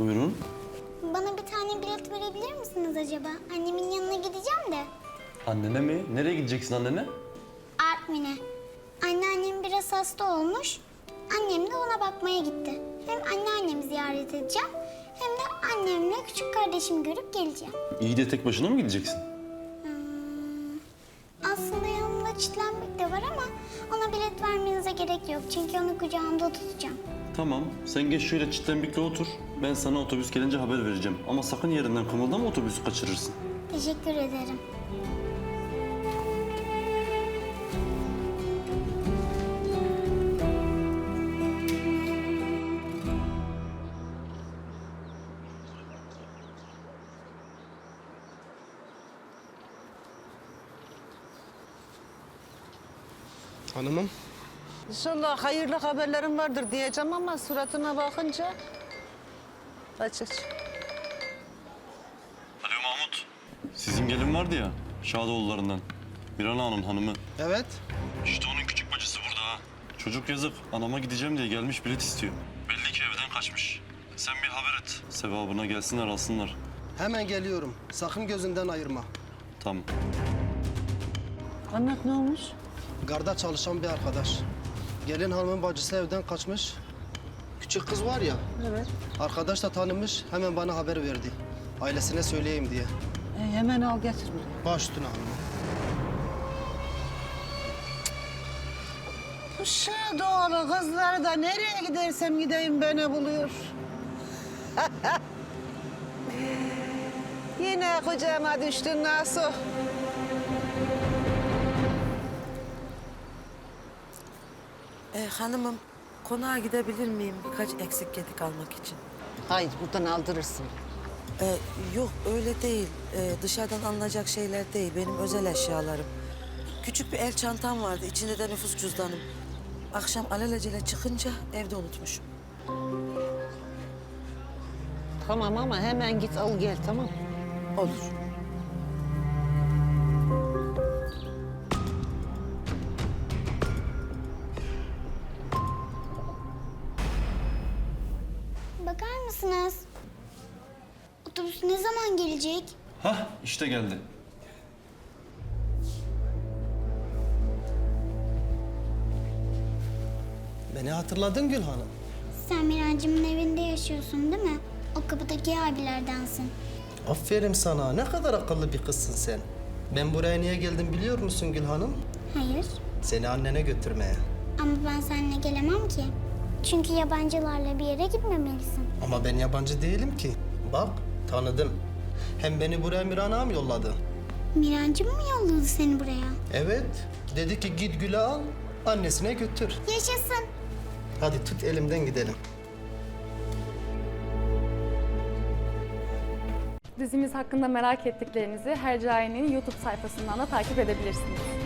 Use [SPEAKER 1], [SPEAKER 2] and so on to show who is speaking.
[SPEAKER 1] Buyurun.
[SPEAKER 2] Bana bir tane bilet verebilir misiniz acaba? Annemin yanına gideceğim de.
[SPEAKER 1] Annene mi? Nereye gideceksin annene?
[SPEAKER 2] Artvin'e. Anneannem biraz hasta olmuş. Annem de ona bakmaya gitti. Hem anneannemi ziyaret edeceğim hem de annemle küçük kardeşimi görüp geleceğim.
[SPEAKER 1] İyi de tek başına mı gideceksin?
[SPEAKER 2] Aslında yanımda çitlenmek de var ama ona bilet vermenize gerek yok. Çünkü onu kucağımda tutacağım.
[SPEAKER 1] Tamam. Sen geç şöyle çitlenbikle otur. Ben sana otobüs gelince haber vereceğim. Ama sakın yerinden kımıldama, otobüsü kaçırırsın.
[SPEAKER 2] Teşekkür ederim.
[SPEAKER 3] Hanımım,
[SPEAKER 4] İnşallah hayırlı haberlerim vardır diyeceğim ama suratına bakınca... Aç.
[SPEAKER 1] Alo Mahmut. Sizin gelin vardı ya, Şadoğullarından. Miran Ağa'nın hanımı.
[SPEAKER 3] evet.
[SPEAKER 1] İşte onun küçük bacısı burada ha. Çocuk yazık. Anama gideceğim diye gelmiş, bilet istiyor. Belli ki evden kaçmış. Sen bir haber et. Sevabına gelsinler, alsınlar.
[SPEAKER 3] Hemen geliyorum. Sakın gözünden ayırma.
[SPEAKER 1] Tamam.
[SPEAKER 4] Anlat, ne olmuş?
[SPEAKER 3] Garda çalışan bir arkadaş. Gelin hanımın bacısı evden kaçmış. Küçük kız var ya,
[SPEAKER 4] Evet.
[SPEAKER 3] arkadaş da tanımış, hemen bana haber verdi. Ailesine söyleyeyim diye.
[SPEAKER 4] Hemen al getir buraya.
[SPEAKER 3] Baş üstüne hanımım.
[SPEAKER 4] Bu Şadoğlu kızları da nereye gidersem gideyim beni buluyor. Yine kucağıma düştün Nasuh.
[SPEAKER 5] Hanımım, konağa gidebilir miyim birkaç eksik gedik almak için?
[SPEAKER 4] Hayır, buradan aldırırsın.
[SPEAKER 5] Yok öyle değil. Dışarıdan alınacak şeyler değil. Benim özel eşyalarım. Küçük bir el çantam vardı. İçinde de nüfus cüzdanım. Akşam alelacele çıkınca evde unutmuşum.
[SPEAKER 4] Tamam ama hemen git al gel, tamam mı?
[SPEAKER 5] Olur.
[SPEAKER 2] Bakar mısınız? Otobüs ne zaman gelecek?
[SPEAKER 1] Hah, işte geldi.
[SPEAKER 3] Beni hatırladın Gül Hanım.
[SPEAKER 2] Sen Mirancım'ın evinde yaşıyorsun değil mi? O kapıdaki abilerdensin.
[SPEAKER 3] Aferin sana. Ne kadar akıllı bir kızsın sen. Ben buraya niye geldim biliyor musun Gül Hanım?
[SPEAKER 2] Hayır.
[SPEAKER 3] Seni annene götürmeye.
[SPEAKER 2] Ama ben seninle gelemem ki. Çünkü yabancılarla bir yere gitmemelisin.
[SPEAKER 3] Ama ben yabancı değilim ki. Bak, tanıdım. Hem beni buraya Miran ağam yolladı.
[SPEAKER 2] Mirancım mı yolladı seni buraya?
[SPEAKER 3] Evet. Dedi ki git Gül'ü al, annesine götür.
[SPEAKER 2] Yaşasın.
[SPEAKER 3] Hadi tut elimden gidelim.
[SPEAKER 6] Dizimiz hakkında merak ettiklerinizi Hercai'nin YouTube sayfasından da takip edebilirsiniz.